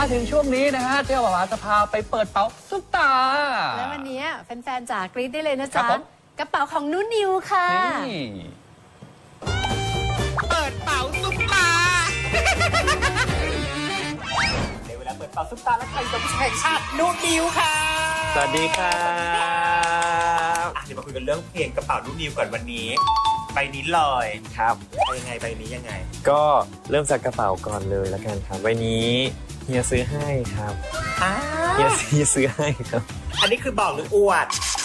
มาถึงช่วงนี้นะฮะเจ้าบ่าวจะพาไปเปิดเป๋าซุปตาแล้ววันนี้แฟนๆจ๋ากรี๊ดได้เลยนะจ๊ะครับผมกระเป๋าของนุ่นนิวค่ะนี่เปิดเป๋าซุปตาในเวลาเปิดเป๋าซุปตาและใครสมแห่งชาตินุ่นนิวค่ะสวัสดีครับเดี๋ยวมาคุยกันเรื่องเพลงกระเป๋านุ่นนิวก่อนวันนี้ใบนี้เลยครับไปยังไงใบนี้ยังไงก็เริ่มจากกระเป๋าก่อนเลยแล้วกันครับใบนี้เฮียซื้อให้ครับเฮียซื้อให้ครับอันนี้คือบอกหรืออวด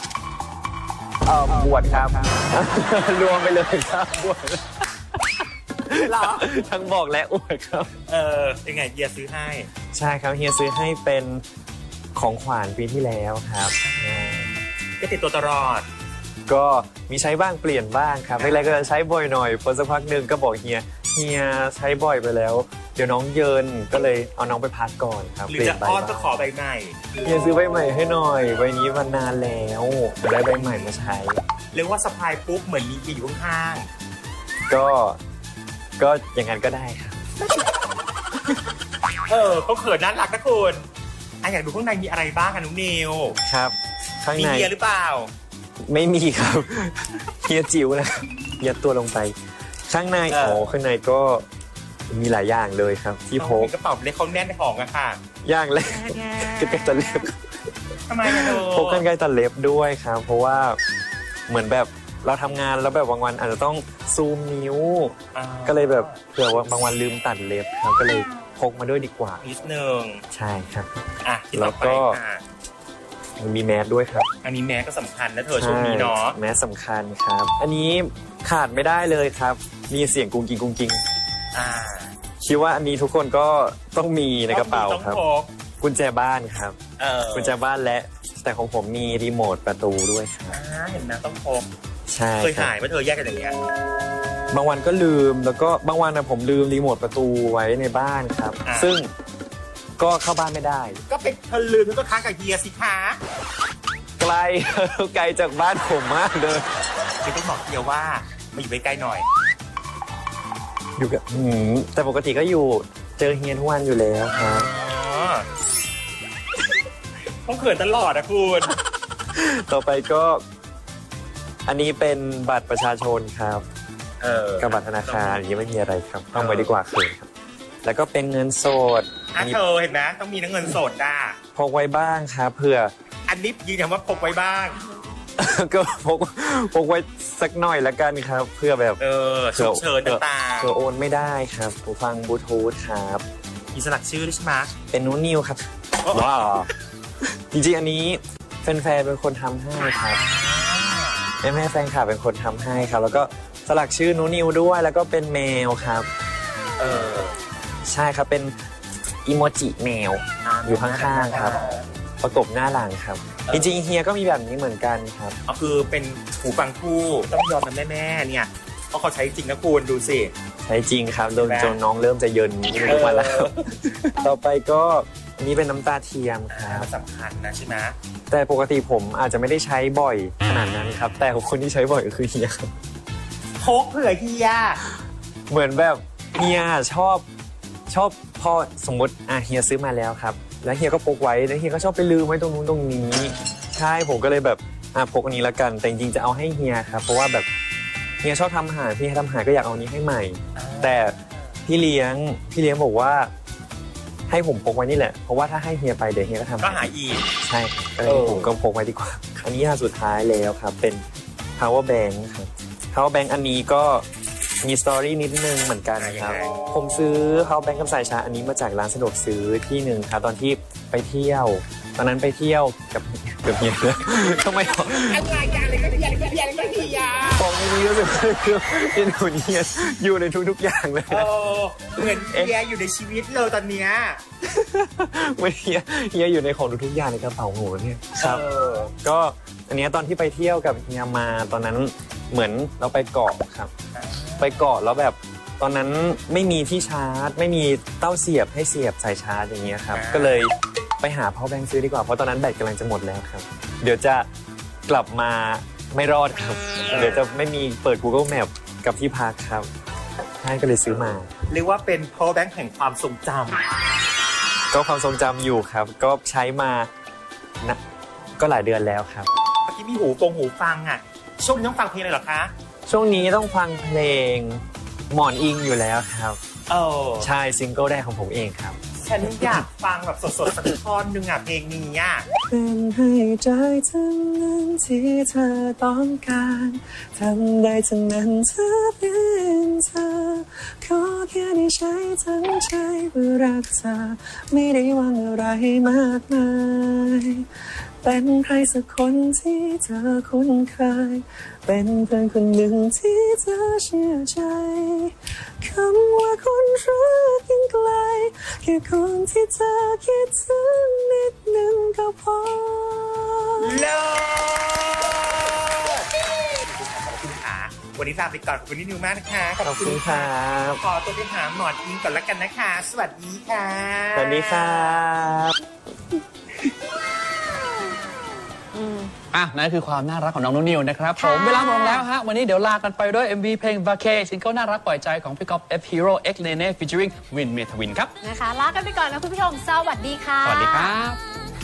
บวชครับ รวมไปเลยครับบวชเหรอทั้งบอกและอวดครับยังไงเฮียซื้อให้ใช่ครับเฮียซื้อให้เป็นของขวัญปีที่แล้วครับก็ติดตัวตลอดก็มีใช้บ้างเปลี่ยนบ้างครับแรกๆก็จะใช้บ่อยหน่อยพอสักพักหนึ่งก็บอกเฮียใช้บ่อยไปแล้ว เดี๋ยวน้องเยินก็เลยเอาน้องไปพักก่อนครับหรือจะอ้อนก็ขอใบใหม่เฮียซื้อใบใหม่ให้หน่อยใบนี้มันนานแล้วได้ใบใหม่มาใช้เรียกว่าสะพายปุ๊บเหมือนมีอยู่ข้างก็อย่างนั้นก็ได้ครับๆเขาเขินน่ารักนะคุณอยากดูข้างในมีอะไรบ้างคะน้องนิวครับข้างมีในเฮียหรือเปล่าไม่มีครับ เฮียจิ๋วนะยัดตัวลงไป ข้างในข้างในก็มีหลายอย่างเลยครับ ที่พกกระเป๋าเล็กเขาแน่นของอะค่ะอย่างแรกกรรไกรตัดเล็บทำไมอะเธอพกกรรไกรตัดเล็บด้วยครับ เพราะว่าเหมือนแบบเราทำงานแล้วแบบบางวันอาจจะต้องซูมนิ้ว ก็เลยแบบเผื่อว่าบางวันลืมตัดเล็บครับก็เลยพกมาด้วยดีกว่านิดนึงใช่ครับที่ต่อไปแล้วก็ค่ะมีแมสด้วยครับอันนี้แม้ก็สำคัญนะเธอช่วงนี้เนาะใช่แมสสำคัญครับ อันนี้ขาดไม่ได้เลยครับ มีเสียงกุ้งกิ้งกุ้งกิ้งอ่าคิดว่าอันนี้ทุกคนก็ต้องมีในกระเป๋าต้องครับพกกุญแจบ้านครับ กุญแจบ้านและแต่ของผมมีรีโมทประตูด้วยครับเห็นนะต้องพกใช่เคยครับหายไหมเธอแยกกันอย่างเงี้ยบางวันก็ลืมแล้วก็บางวันนะผมลืมรีโมทประตูไว้ในบ้านครับ ซึ่งก็เข้าบ้านไม่ได้ก็เป็นเธอลืมเธอก็ค้างกับเฮียสิคะไกล ไกลจากบ้านผมมากเลยคือต้องบอกเฮียว่ามาอยู่ใกล้ๆหน่อยอยู่กับแต่ปกติก็อยู่เจอเฮียทุกวันอยู่แล้วครับต้องเขินตลอดนะคุณต่อไปก็อันนี้เป็นบัตรประชาชนครับกับบัตรธนาคารอย่างนี้ไม่มีอะไรครับต้องไปดีกว่าเขินครับ แล้วก็เป็นเงินสดอันนี้เธอเห็นไหมต้องมีเงินสดอ่ะพกไว้บ้างครับเผื่ออันนี้ยืนยันว่าพกไว้บ้างก็พกไว้สักหน่อยละกันครับ เพื่อแบบฉุกเฉินต่างๆเผื่อโอนไม่ได้ครับหูฟังบลูทูธครับมีสลักชื่อด้วยใช่ไหมเป็นนูนิวครับว้าวจริงๆอันนี้แฟนๆเป็นคนทำให้ครับแม่แฟนคลับเป็นคนทำให้ครับ แล้วก็สลักชื่อนูนิวด้วยแล้วก็เป็นแมวครับใช่ครับเป็นอีโมจิแมวอยู่ข้างๆครับ ประกบหน้าหลังครับจริงๆเฮียก็มีแบบนี้เหมือนกันครับก็คือเป็นหูฟังคู่ต้องยอมนะแม่ๆเนี่ยเพราะเขาใช้จริงนะคุณดูสิใช่จริงครับจนน้องเริ่มจะเยินทุกวันแล้ว ต่อไปก็อันนี้เป็นน้ำตาเทียมครับสำคัญนะใช่ไหมแต่ปกติผมอาจจะไม่ได้ใช้บ่อยขนาดนั้นครับ แต่คนที่ใช้บ่อยก็คือเฮียครับพกเผื่อเฮียเหมือนแบบเฮียชอบพอสมมติเฮียซื้อมาแล้วครับแล้วเฮียก็พกไว้แล้วเฮียก็ชอบไปลืมไว้ตรงนู้นตรงนี้ใช่ผมก็เลยแบบพกอันนี้ละกันแต่จริงๆจะเอาให้เฮียครับเพราะว่าแบบเฮียชอบทำอาหารพี่ให้ทำอาหารก็อยากเอานี้ให้ใหม่แต่พี่เลี้ยงบอกว่าให้ผมพกไว้นี่แหละเพราะว่าถ้าให้เฮียไปเดี๋ยวเฮียก็ทำก็หายอีกใช่ผมก็พกไว้ดีกว่าอันนี้สุดท้ายแล้วครับเป็น power bank ครับ power bank อันนี้ก็มีสตอรี่นิดนึงเหมือนกันครับผมซื้อ power bank กับสายชาร์จอันนี้มาจากร้านสะดวกซื้อที่หนึ่งครับตอนที่ไปเที่ยวตอนนั้นไปเที่ยวกับเฮียทำไมอะไรก็เฮียของนี้รู้สึกที่หนูเนี่ยอยู่ในทุกๆอย่างเลยเหมือนเฮียอยู่ในชีวิตเลยตอนเนี้ยไม่เฮียอยู่ในของทุกๆอย่างในกระเป๋าหนูเนี่ยครับก็อันนี้ตอนที่ไปเที่ยวกับเฮียมาตอนนั้นเหมือนเราไปเกาะครับไปเกาะแล้วแบบตอนนั้นไม่มีที่ชาร์จไม่มีเต้าเสียบให้เสียบสายชาร์จอย่างเงี้ยครับก็เลยไปหา power bank ซื้อดีกว่าเพราะตอนนั้นแบตกำลังจะหมดแล้วครับเดี๋ยวจะกลับมาไม่รอดครับเดี๋ยวจะไม่มีเปิด Google Map กับที่พักครับใช่ก็เลยซื้อมาเรียกว่าเป็น power bank แห่งความทรงจก็ความทรงจำอยู่ครับ ก็ใช้มานะก็หลายเดือนแล้วครับเมื่อกี้มีหูฟังอ่ะช่วงนี้ต้องฟังเพลงเลยเหรอคะช่วงนี้ต้องฟังเพลงหมอนอิงอยู่แล้วครับ ใช่ซิงเกิลแรกของผมเองครับฉันอยากฟังแบบสดๆสักท่อนหนึ่งอ่ะเพลงนี้อ่ะเป็นให้ใจทั้งนั้นที่เธอต้องการทำได้ทั้งนั้นเธอเป็นเธอขอแค่ได้ใช้ทั้งใจเพื่อรักเธอไม่ได้หวังอะไรมากมายเป็นใครสักคนที่เธอคุ้นเคยเป็นเพื่อนคนหนึ่งที่เธอเชื่อใจคำว่าคนรักยังไกลแค่คนที่เธอคิดถึงนิดนึงก็พอเลิศขอบคุณค่ะวันนี้ลาไปก่อนขอบคุณนิวมากนะคะขอบคุณครับขอตัวไปหาหมอนอิงก่อนละกันนะคะ สวัสดีค่ะสวัสดีครับนั่นคือความน่ารักของน้องนุ่นนิวนะครับผมค่ะเวลาหมดลงแล้วฮะวันนี้เดี๋ยวลากันไปด้วย MV เพลง Vacay ซิงเกิลน่ารักปล่อยใจของพี่ก๊อฟ F Hero X Nene featuring Win Metawin ครับนะคะลากันไปก่อนนะคุณผู้ชมสวัสดีค่ะสวัสดีครับ